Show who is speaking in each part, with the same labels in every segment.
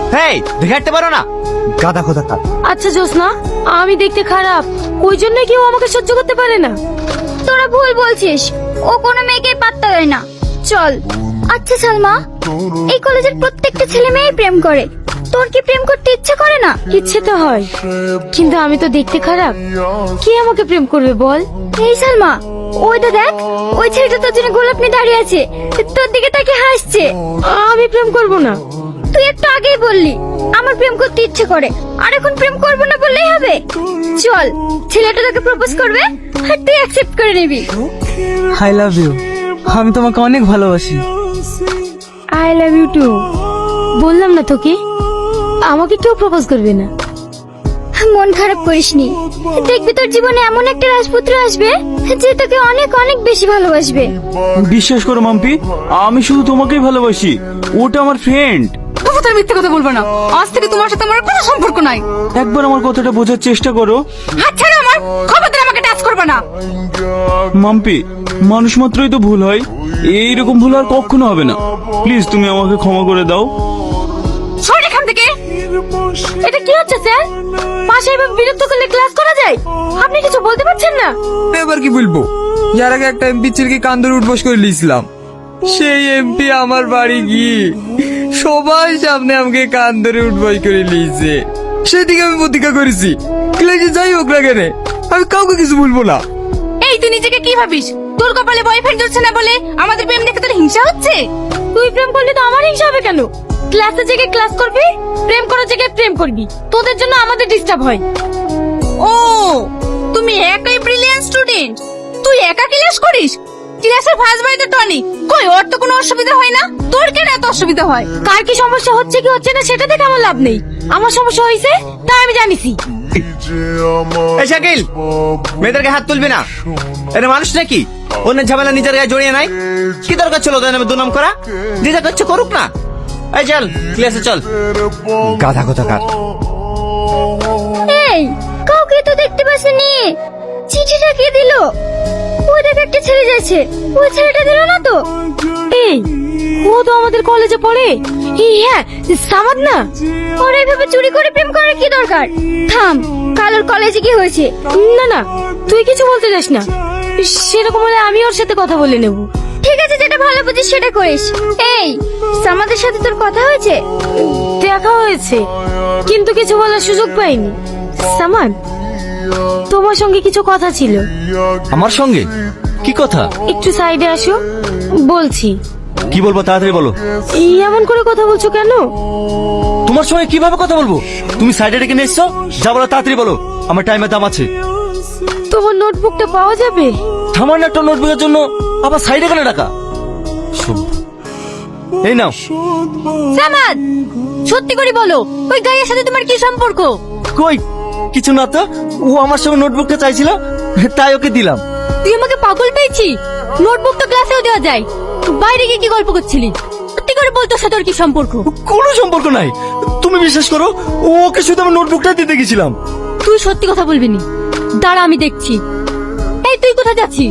Speaker 1: হেই, দেখে হাঁটতে পারো না? গাদা কোথাকার।
Speaker 2: আচ্ছা জোসনা, আমি দেখতে খারাপ, ওই জন্য কেউ আমাকে সহ্য করতে পারে না।
Speaker 3: তোরা ভুল বলছিস, ও কোনো মেয়েকে পাত্তা দেয় না। চল। আচ্ছা সালমা, এই কলেজের প্রত্যেকটা ছেলে মেয়ে প্রেম করে, তোর কি প্রেম করতে ইচ্ছে করে না?
Speaker 2: ইচ্ছে তো হয়, কিন্তু আমি তো দেখতে খারাপ, কে আমাকে প্রেম করবে বল?
Speaker 3: এই সালমা, ওইটা দেখ, ওই ছেলেটা তোর জন্য গোলাপ নিয়ে দাঁড়িয়ে আছে, তোর দিকে তাকে হাসছে।
Speaker 2: আমি প্রেম করব না।
Speaker 3: তুই একটু আগেই বললি আমার প্রেম করতে ইচ্ছে করে, আর এখন প্রেম করবো না বললেই হবে? চল, ছেলেটা তোকে প্রপোজ করবে আর তুই অ্যাকসেপ্ট করে নিবি।
Speaker 4: আই লাভ ইউ, আমি তোমাকে অনেক ভালোবাসি।
Speaker 2: I love you too. বললাম না তোকে, আমাকে কেউ প্রপোজ করবে না।
Speaker 3: মন খারাপ করিসনি, দেখবি তোর জীবনে এমন একটা রাজপুত্র আসবে যে তোকে অনেক অনেক বেশি ভালোবাসবে।
Speaker 5: বিশ্বাস করো মাম্পি, আমি শুধু তোমাকেই ভালোবাসি, ওটা আমার ফ্রেন্ড।
Speaker 6: তার মিথ্যে কথা বলবো না, আজ থেকে তোমার সাথে আমার কোনো সম্পর্ক নাই।
Speaker 5: একবার আমার কথাটা বোঝার চেষ্টা করো।
Speaker 6: হাত ছাড়ো আমার, খবরদার আমাকে টাচ করবে না।
Speaker 5: মাম্পি, মানুষ মাত্রই তো ভুল হয়, এইরকম ভুল আর কখনো হবে না। প্লিজ তুমি আমাকে ক্ষমা করে দাও।
Speaker 6: সর এখান থেকে।
Speaker 2: এটা কি হচ্ছে স্যার? পাশে এভাবে বিরক্ত করলে ক্লাস করা যায়? আপনি কিছু বলতে পারছেন না?
Speaker 4: এবার কি বলবো? ইয়ার আগে একটা এমপি ছেলেকে কান ধরে উঠবস করে নিয়েছিলাম, সেই এমপি আমার বাড়ি গিয়ে সবাই সামনে আমাকে কান ধরে উঠবস করে নিয়েছে। সেদিকে আমি প্রতিজ্ঞা করেছি, ক্লাসে যাই হোক না কেন আমি কাউকে কিছু বলবো না।
Speaker 6: এই তুই নিজেকে কি ভাবিস? তোর কপালে বয়ফ্রেন্ড হচ্ছে না বলে আমাদের প্রেম দেখে তোর হিংসা হচ্ছে?
Speaker 2: তুই প্রেম করলে তো আমার হিংসা হবে কেন? ক্লাসে জায়গায় ক্লাস করবি, প্রেম করার জায়গায় প্রেম করবি, তোদের জন্য আমাদের ডিস্টার্ব হয়।
Speaker 6: ও, তুমি একাই ব্রিলিয়ান্ট স্টুডেন্ট, তুই একা ক্লাস করিস? ক্লাসের ফার্স্ট বয় তো টনি, কই ওর তো কোনো অসুবিধা হয় না, তোর কেন এত অসুবিধা হয়?
Speaker 2: কার কি সমস্যা হচ্ছে কি হচ্ছে না সেটা দেখে আমার লাভ নেই, আমার সমস্যা হয়েছে তাই আমি জানিছি।
Speaker 1: এই শাকিল, মেয়েদেরকে হাত তুলবি না, এটা মানুষ নাকি? অন্যের ঝামেলা নিজের গায়ে জড়িয়ে নাই। কি দরকার ছিল ওদের নামে দুনাম করা? যে যা করছে করুক না। এই চল ক্লাসে চল। গাধা কোথাকার।
Speaker 3: এই, কাউকে তো দেখতে পাসনি, চিঠিটা কে দিল? ওই দেখ একটা ছেলে যাচ্ছে, ওই ছেলেটা দিল না তো?
Speaker 2: এই, ও তো আমাদের কলেজে পড়ে। এই হ্যাঁ, সামাদ না?
Speaker 3: ওর এইভাবে চুরি করে প্রেম করার কি দরকার? থাম, কালোর কলেজে কি হয়েছে?
Speaker 2: না না, তুই কিছু বলতে যাস না, সেরকম হলে আমি ওর সাথে কথা বলে নেব।
Speaker 3: ঠিক আছে, যেটা ভালো বুঝিস সেটা করিস। এই, সামাদের সাথে তোর কথা হয়েছে?
Speaker 2: দেখা হয়েছে, কিন্তু কিছু বলার সুযোগ পাইনি। সামাদ, তোমার সঙ্গে কিছু কথা ছিল।
Speaker 1: আমার সঙ্গে? কি কথা?
Speaker 2: একটু সাইডে আসো, বলছি।
Speaker 1: কি বলবো তাড়াতাড়ি বলো।
Speaker 2: এই এমন করে কথা বলছো কেন?
Speaker 1: তোমার সঙ্গে কিভাবে কথা বলবো? তুমি সাইডে ডেকে নিয়ে এসছো, যা বলো তাড়াতাড়ি বলো, আমার টাইমের দাম আছে।
Speaker 2: তোমার নোটবুকটা পাওয়া যাবে?
Speaker 1: সামান্য একটা নোটবুকের জন্য আবার সাইডে কেন ডাকা? এই নাও।
Speaker 6: সামাদ, সত্যি করে বলো, ওই গাইয়ের সাথে তোমার কি সম্পর্ক?
Speaker 1: কই কিছু না তো, ও আমার সঙ্গে নোটবুকটা চাইছিল তাই ওকে দিলাম।
Speaker 6: তুই আমাকে পাগল পেয়েছি? নোটবুক তো ক্লাসেও দেওয়া যায়, বাইরে গিয়ে কি গল্প করছিলি? সত্যি করে বল, তোর সাথে ওর কি সম্পর্ক?
Speaker 1: কোনো সম্পর্ক নাই, তুমি বিশ্বাস করো, ওকে শুধু আমি নোটবুকটা দিতে গেছিলাম।
Speaker 6: তুই সত্যি কথা বলবি নি? দাঁড়া আমি দেখছি। এই তুই কোথায় যাচ্ছিস?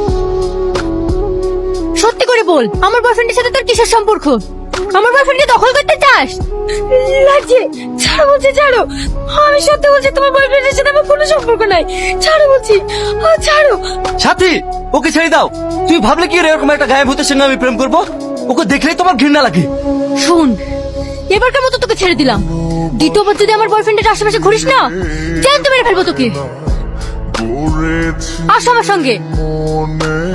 Speaker 6: সত্যি করে বল, আমার বয়ফ্রেন্ডের সাথে তোর কিসের সম্পর্ক? আমার বয়ফ্রেন্ডকে দখল করতে চাস?
Speaker 2: লাগছে, ছাড়ো বলছি, ছাড়ো। আমি সত্যি বলছি, তোমার বয়ফ্রেন্ডের সাথে আমার কোনো সম্পর্ক নাই। ছাড়ো বলছি, ছাড়ো।
Speaker 1: সাথী, ওকে ছেড়ে দাও। তুমি ভাবলে কি এরকম একটা গায়েব ভূতের সঙ্গে আমি প্রেম করবো? ওকে দেখলেই তোমার ঘৃণা লাগে।
Speaker 6: শোন, এবারকার মতো তোকে ছেড়ে দিলাম, দ্বিতীয়বার যদি আমার বয়ফ্রেন্ডের আশেপাশে ঘুরিস না, জ্যান্ত মেরে ফেলবো তোকে। আসো আমার সঙ্গে।